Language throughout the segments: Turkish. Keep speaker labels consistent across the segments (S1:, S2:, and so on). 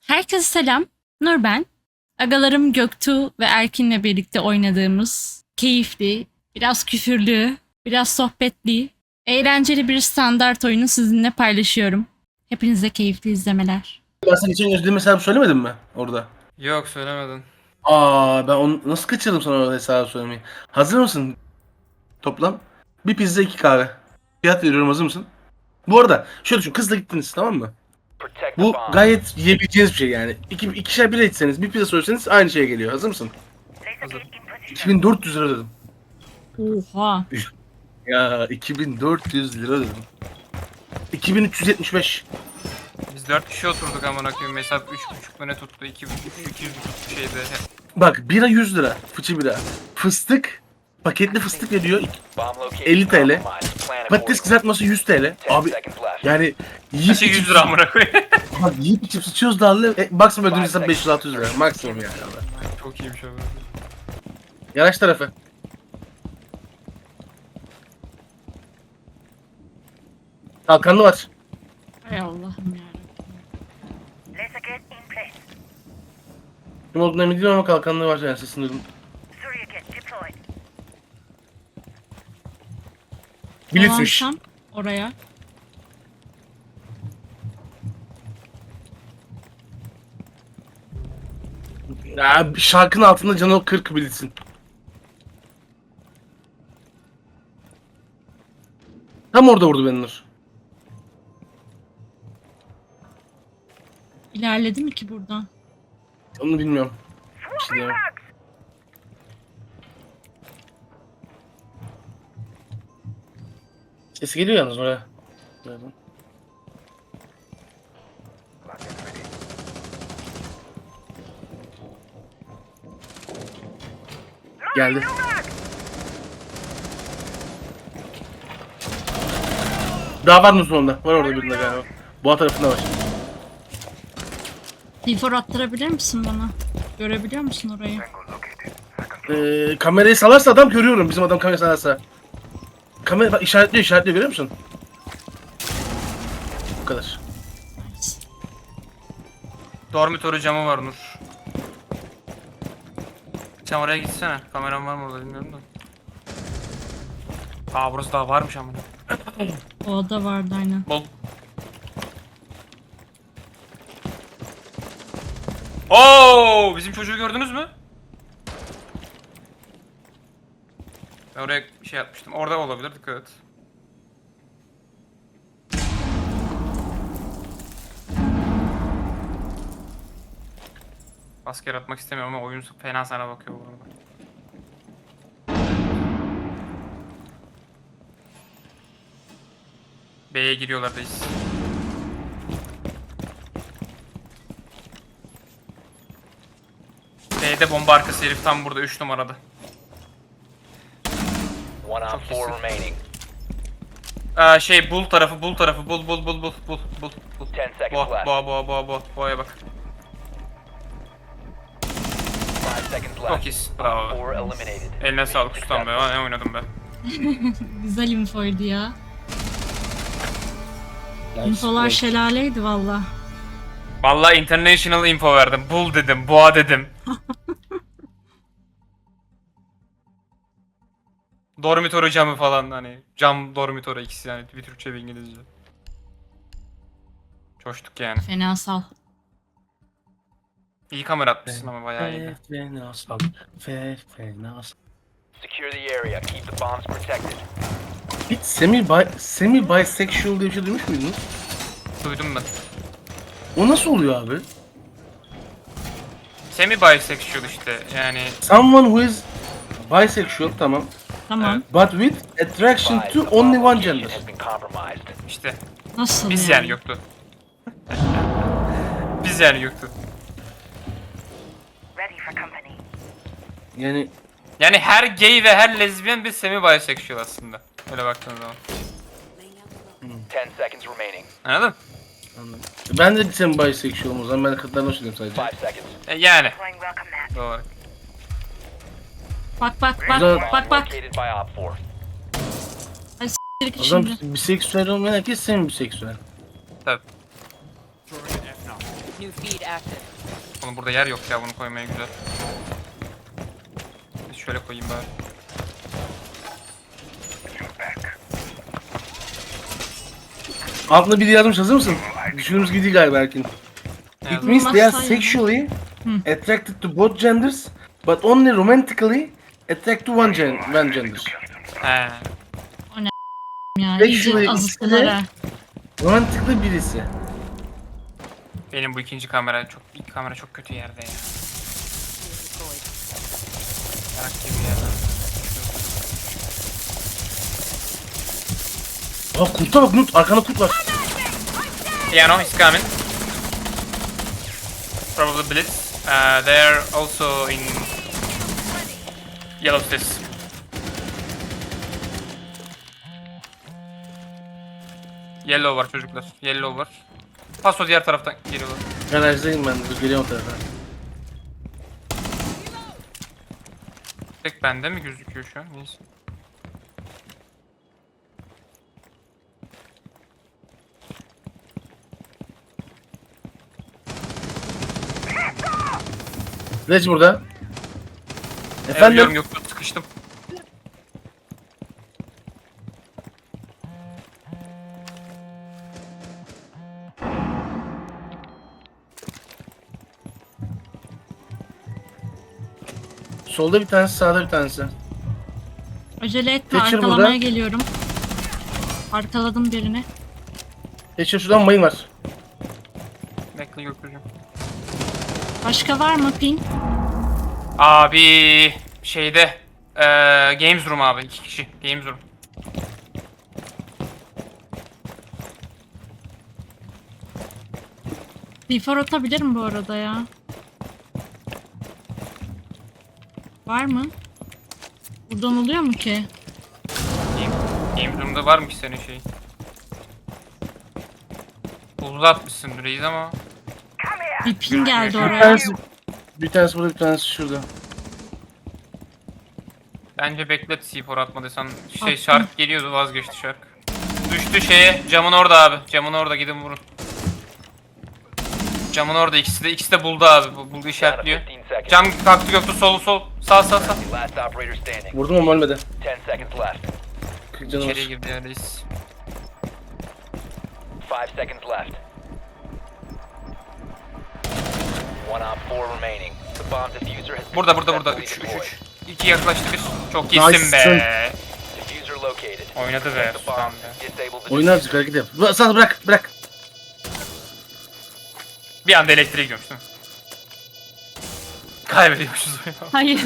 S1: Herkese selam. Nur ben. Agalarım Göktuğ ve Erkin'le birlikte oynadığımız keyifli, biraz küfürlü, biraz sohbetli, eğlenceli bir standart oyunu sizinle paylaşıyorum. Hepinize keyifli izlemeler.
S2: Ben sana geçen ödediğim hesabı söylemedim mi orada?
S3: Yok söylemedin.
S2: Ben onu nasıl kaçırdım sana o hesabı söylemeyi? Hazır mısın? Toplam bir pizza 2 kahve. Fiyat veriyorum, hazır mısın? Bu arada şöyle düşün, kızla gittiniz, tamam mı? Bu gayet yiyebileceğiniz bir şey yani. İkişer bira içseniz, bir pizza söyleseniz aynı şeye geliyor. Hazır mısın?
S3: Hazır.
S2: 2400 lira dedim.
S1: Oha.
S2: Ya 2400 lira dedim. 2375.
S3: Biz 4 kişi oturduk amına koyayım. Hesap 3,5 ne tuttu? 200 tuttu şeyde.
S2: Bak, bira 100 lira. Fıçı bira. Fıstık. Paketli fıstık veriyor 50 TL. Patates kızartması 100 TL. Abi yani yiyip
S3: Her şey 100 lira amına koyayım.
S2: Bak, yiyip içip sıçıyoruz dağlı. Maksimum ödediğimiz hesap 500-600 lira. Maksimum yani.
S3: Çok iyiymiş abi.
S2: Yanaş tarafı. Kalkanlı var.
S1: Hay Allah'ım yarabbim.
S4: Laser gate in place.
S2: Kim olduğunu emin değilim ama kalkanlı var yani, sesini duydum.
S4: Surya gate deployed.
S2: Blitzmiş.
S1: Dolansam oraya.
S2: Ya, şarkının altında canı 40 Blitz'in. Tam orada vurdu beni Nur.
S1: İlerledi mi ki buradan?
S2: Onu bilmiyorum. Bir şey diyemem. Ses geliyor yalnız oraya. Nereden? Geldi. Daha var mı sonunda? Var orada birinde galiba. Boğa tarafında var.
S1: Difor attırabilir misin bana? Görebiliyor musun orayı?
S2: Kamerayı salarsa adam görüyorum. Bizim adam kamerayı salarsa. Kamera bak, işaretliyor görüyor musun? Bu kadar.
S1: Nice.
S3: Dormitory camı var Nur. Sen oraya gitsene. Kameram var mı orada bilmiyorum da. Burası daha varmış amına.
S1: O da vardı aynen.
S3: Bol. Oo, bizim çocuğu gördünüz mü? Ben oraya şey yapmıştım. Orada olabilir, dikkat et. Asker atmak istemiyorum ama oyun fena sana bakıyor bu arada. B'ye giriyorlar reis. B'de bomba arkası herif tam burada 3 numarada.
S5: One on
S3: Çok
S5: four
S3: iyisin.
S5: remaining.
S3: Bul tarafı, bul.
S5: 10 seconds left.
S3: Boğaya bak.
S5: 5 seconds
S3: Çok
S5: left.
S3: iyisin, bravo.
S5: 4 eliminated.
S3: Eline sağlık ustam be, ne oynadım be.
S1: Güzel infoydu ya. İnfolar şelaleydi valla.
S3: Vallahi international info verdim, bul dedim, boğa dedim. Dormitory camı falan hani, cam dormitory ikisi yani, bir Türkçe bir İngilizce. Coştuk yani.
S1: Fenasal.
S3: İyi kamera atmışsın ama bayağı iyiydi.
S2: Fenasal. Fenasal.
S5: Secure the area. Keep the bombs protected.
S2: Hiç semi bisexual diye bir şey duymuş muydunuz?
S3: Duydum ben.
S2: O nasıl oluyor abi?
S3: Semi bisexual işte yani.
S2: Someone who is bisexual, tamam.
S1: Tamam.
S2: But with attraction
S5: Advise
S2: to
S5: the bomb
S2: only one
S5: location
S2: gender.
S5: has been compromised.
S3: İşte
S1: Nasıl
S3: biz
S1: yani?
S3: yani yoktu. Biz yani yoktu.
S4: Ready for company.
S2: Yani
S3: Yani her gay ve her lezbiyen bir semi bisexual aslında. Öyle baktığın zaman.
S5: 10 seconds remaining.
S3: Anladın?
S2: anladım. Ben de semi bisexual'ım o zaman, ben de kadınlardan hoşlanıyorum sadece.
S5: 5 seconds.
S3: Yani.
S4: Deploying welcome mat.
S3: Doğru olarak.
S1: Bak
S2: Güzel.
S1: bak.
S5: Located by Op 4.
S1: Direkt
S2: O zaman
S1: şimdi.
S2: biseksüel olmayan herkes semi biseksüel.
S3: Tabii.
S6: New feed active.
S3: Oğlum burada yer yok ya bunu koymaya güzel. Biz şöyle koyayım bari.
S2: Altında biri yazmış, hazır mısın? Düşündüğümüz gibi değil galiba Erkin.
S3: Ne
S2: It means they are
S1: Olmazsa
S2: sexually attracted to both genders, but only romantically attracted to one gender.
S3: He.
S1: Ya
S2: Peki
S1: iyice
S2: şurayı
S1: azıttılar ha.
S2: Romantikli birisi.
S3: Benim bu ilk kamera çok kötü yerde ya.
S6: Deployed.
S3: Yarak gibi yerden.
S2: Aa kurta bak Nut, arkanda kurt var.
S3: Piano is coming. Probably Blitz. They're also in yellow stairs. Yellow var çocuklar. Yellow var. Paso diğer taraftan geliyorlar.
S2: Garajdayım ben, dur geliyorum o tarafa.
S3: Tek bende mi gözüküyor şu an? Neyse.
S2: Reg burada.
S3: Biliyorum
S2: Efendim?
S3: yok sıkıştım.
S2: Solda bir tanesi, sağda bir tanesi.
S1: Acele etme,
S2: Thatcher
S1: arkalamaya
S2: burada.
S1: geliyorum. Arkaladım birini.
S2: Geçiyor, şuradan mayın var.
S3: Bekle gökyüzüm.
S1: Başka var mı ping?
S3: Abi şeyde Games Room abi 2 kişi Games Room.
S1: Before atabilirim bu arada ya. Var mı? Buradan oluyor mu ki?
S3: Games Room'da var mı ki senin şey? Buzlu atmışsın reis ama.
S1: Bir ping geldi
S2: Bir
S1: oraya.
S2: tanesi, bir tanesi burada, bir tanesi şurada.
S3: Bence beklet C4 atmadıysan. Şey
S1: Attım.
S3: şark geliyordu vazgeçti şark. Düştü şeye camın orada abi. Camın orada gidin vurun. Camın orada ikisi de buldu abi. Buldu
S5: Down to
S3: işaretliyor.
S5: 15 seconds.
S3: Cam kalktı göktü sol sağ.
S5: Last operator standing.
S2: Vurdum ama ölmedi.
S5: 10 seconds left.
S2: 40 canı
S3: İçeriye
S2: var.
S3: girdi ya reis.
S5: 5 seconds left. 1 op 4 remaining. The bomb diffuser has been
S3: Burada.
S5: successfully
S3: 3
S5: deployed.
S3: 2 yaklaştı bir. Çok iyisin
S2: Nice.
S3: be.
S5: Diffuser located.
S3: Oynadı be.
S5: The
S3: Tamam
S5: bomb.
S3: be.
S5: Disable the
S2: Oyunu azıcık hareket yap. Sağ bırak.
S3: Bir anda elektriğe gidiyormuş değil mi? Kaybediyormuşuz oyunu.
S1: Hayır.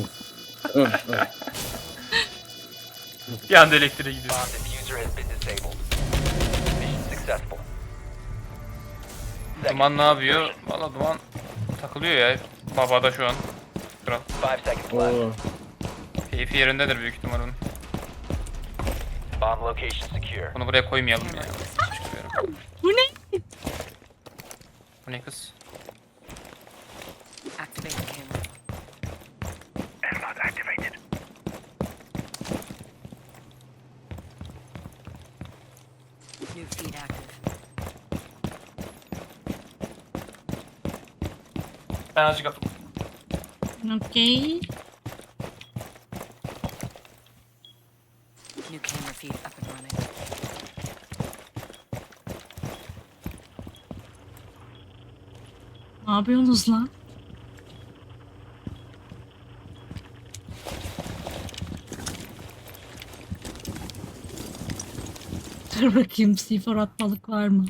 S3: Bir anda elektriğe gidiyor.
S5: bomb diffuser has been disabled. Mission successful.
S3: Duman ne yapıyor? Valla Duman takılıyor ya. Babada şu an. Kral.
S5: 5 seconds left.
S2: Oo.
S3: Keyfi yerindedir büyük ihtimal onun.
S5: Bomb location secure.
S3: Bunu buraya koymayalım ya.
S1: Bu ne?
S3: Bu ne kız?
S6: Activate the camera. New feed active.
S3: Ben azıcık atım.
S1: Okey.
S6: New camera feed up and running.
S1: Ne yapıyorsunuz lan? Dur bakayım C4 atmalık var mı?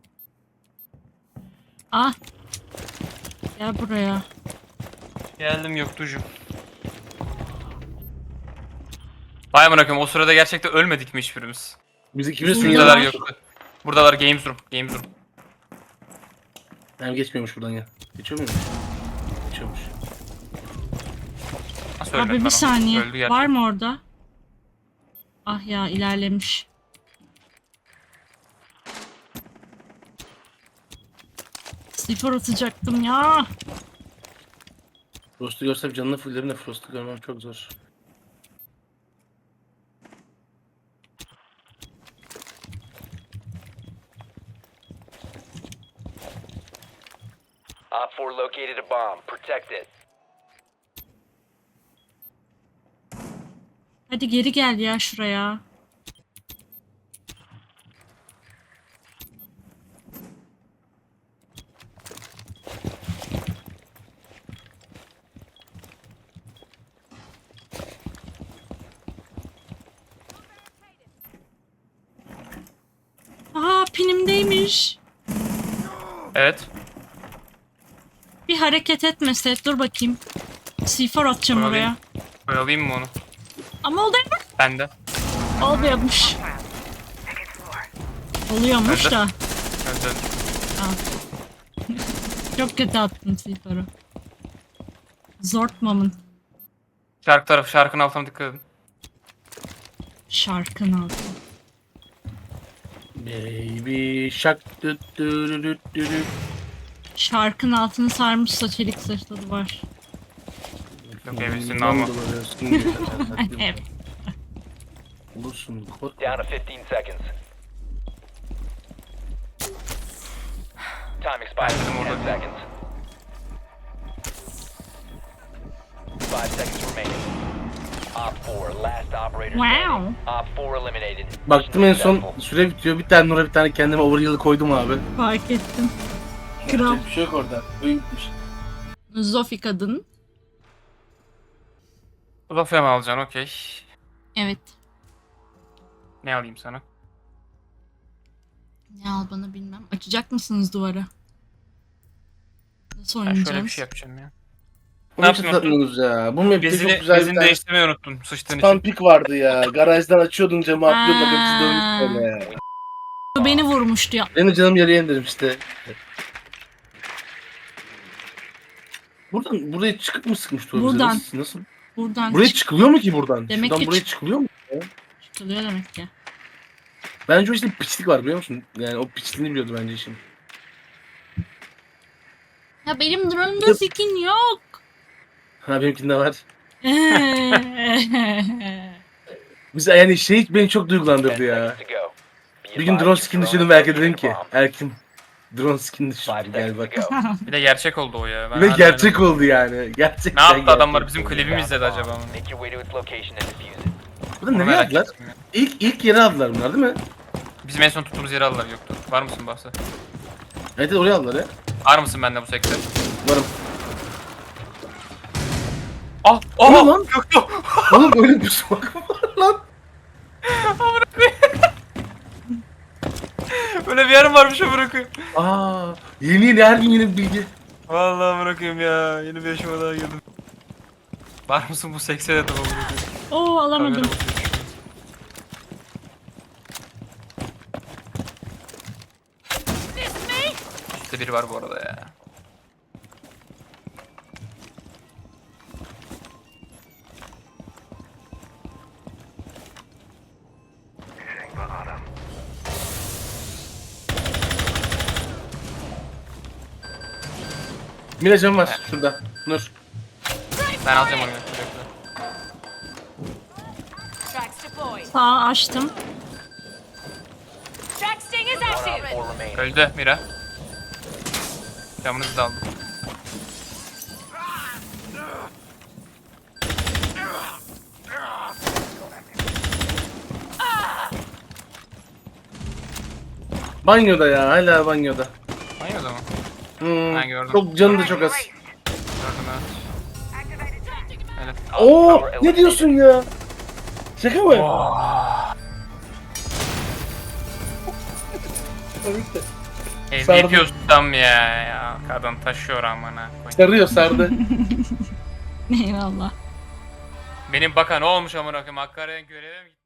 S1: Ah. Gel buraya.
S3: Geldim Göktuğ'cum. Vay amına koyayım o sırada gerçekten ölmedik mi hiçbirimiz?
S2: Biz ikimiz
S3: Buradalar
S2: sunuyorlar.
S3: Göktuğ. Buradalar Games Room.
S2: Yani geçmiyormuş buradan ya. Geçiyor muymuş? Geçiyormuş.
S3: Nasıl ölmedi
S1: Abi
S3: lan
S1: bir
S3: o?
S1: saniye.
S3: Öldü gerçekten.
S1: Var mı orada? Ah ya ilerlemiş. C4 atacaktım ya.
S2: Frost'u görsem canını fullerim de Frost'u görmem çok zor.
S5: Op 4 located a bomb. Protect it.
S1: Hadi geri gel ya şuraya. Aa, pinimdeymiş.
S3: Evet.
S1: Bir hareket etmese, dur bakayım. C4 atacağım
S3: Oyalayayım.
S1: oraya.
S3: Oyalayayım mı onu?
S1: Ama oldu.
S3: Ben de.
S1: Olmuyormuş.
S4: Second floor.
S1: Oluyormuş
S3: Nerede?
S1: da.
S3: Evet.
S1: Çok kötü attım C4'u. Zortmamın
S3: Şarkının altına dikkat edin.
S1: şarkın altı.
S2: Baby shark dü dü dü dü dü dü.
S1: Şarkın altını sarmışsa çelik zırhlı var.
S3: Yok evlisin ama.
S1: Evet.
S2: Olursun.
S5: Down to 15 seconds. Time expires in 10 seconds. 5 seconds remaining. Op 4, last operator standing. Op 4 eliminated.
S2: Baktım en son
S5: Successful.
S2: süre bitiyor. Bir tane Nur'a bir tane kendime overheal'ı koydum abi.
S1: Fark ettim. Kral.
S2: Yapacak bir şey yok orada. Oyun bitmiş.
S1: Zofi kadın.
S3: Uzafya mı alacaksın? Okey.
S1: Evet.
S3: Ne alayım sana?
S1: Ne al bana bilmem. Açacak mısınız duvara? Nasıl
S3: Ben
S1: oynayacağız?
S3: şöyle bir şey yapacağım ya.
S2: Ne yapıyorsunuz ya? Bu map'te çok güzel bir
S3: Bezini
S2: tane
S3: değiştirmeyi unuttun sıçtığın için.
S2: stampik vardı ya. Garajdan açıyordun camı atlıyordun. Hepsi dönmüş böyle.
S1: Bu beni vurmuştu ya.
S2: Benim canım yarıya indirim işte. Buraya çıkıp mı sıkmıştı o bize?
S1: Buradan.
S2: Nasıl?
S1: Buradan
S2: Buraya çıkılıyor mu ki buradan?
S1: Demek
S2: Şuradan
S1: ki
S2: buraya çıkılıyor mu?
S1: çıkılıyor demek ki.
S2: Bence o işte bir piçlik var biliyor musun? Yani o piçliğini biliyordu bence işin.
S1: Ya benim drone'umda skin yok.
S2: Ha benimkinde var. Biz yani şey beni çok
S5: 10
S2: duygulandırdı ya.
S5: seconds to go. Be
S2: Bir gün
S5: advised
S2: drone
S5: your
S2: skin
S5: drone
S2: düşürdüm
S5: is
S2: ve Erkin
S5: located
S2: dedim
S5: a
S2: ki
S5: bomb.
S2: Erkin drone skin
S5: 5
S2: düşürdü gel
S5: seconds
S2: bak.
S5: to go.
S3: Bir de gerçek oldu o ya. Ben
S2: Ve
S3: hala
S2: gerçek
S3: inanamıyorum.
S2: oldu yani. Gerçekten
S3: Ne yaptı adamlar?
S2: gerçek
S3: Bizim
S2: oldu.
S3: klibimi izledi acaba mı?
S5: Make your way to its location and defuse it.
S2: Burada
S3: Onu
S2: nereye
S3: merak
S2: aldılar?
S3: ettim ya.
S2: İlk yere aldılar bunlar değil mi?
S3: Bizim en son tuttuğumuz yeri aldılar yoktu. Var mısın bahse?
S2: Evet evet, oraya aldılar ya.
S3: Var mısın bende bu sekte?
S2: Varım.
S3: Ah!
S2: O ne
S3: Ah!
S2: lan?
S3: Göktuğ!
S2: Oğlum öyle bir smoke var lan.
S3: Böyle bir yerim varmış amına koyayım.
S2: Aa, yeni her gün yeni bir bilgi.
S3: Vallahi amına koyayım ya. Yeni bir yaşıma daha girdim. Var mısın bu sekse dedim amına koyayım.
S1: Oo, alamadım.
S3: Kamera bakıyor. Üstte biri var bu arada ya.
S2: Miracım var şurada. Nur.
S3: Ben alacağım onu. Bekle.
S6: Tracks deployed.
S1: Sağ açtım.
S6: Track sting is
S5: One
S6: active.
S5: Op 4 remaining.
S3: Öldü Mira. Camınızı da aldım.
S2: Banyoda ya hala banyoda.
S3: Hayır o zaman.
S2: Hmm,
S3: Ben gördüm.
S2: çok canı da çok az.
S3: Gördüm evet. Öyle.
S2: Oo ne diyorsun ya? Şaka mı?
S3: MVP ustam ya. Kadın taşıyor amına koyayım.
S2: Sarıyor sardı.
S1: Eyvallah.
S3: Benim baka ne olmuş amına koyayım? Hakkari'ye göreve mi gitti?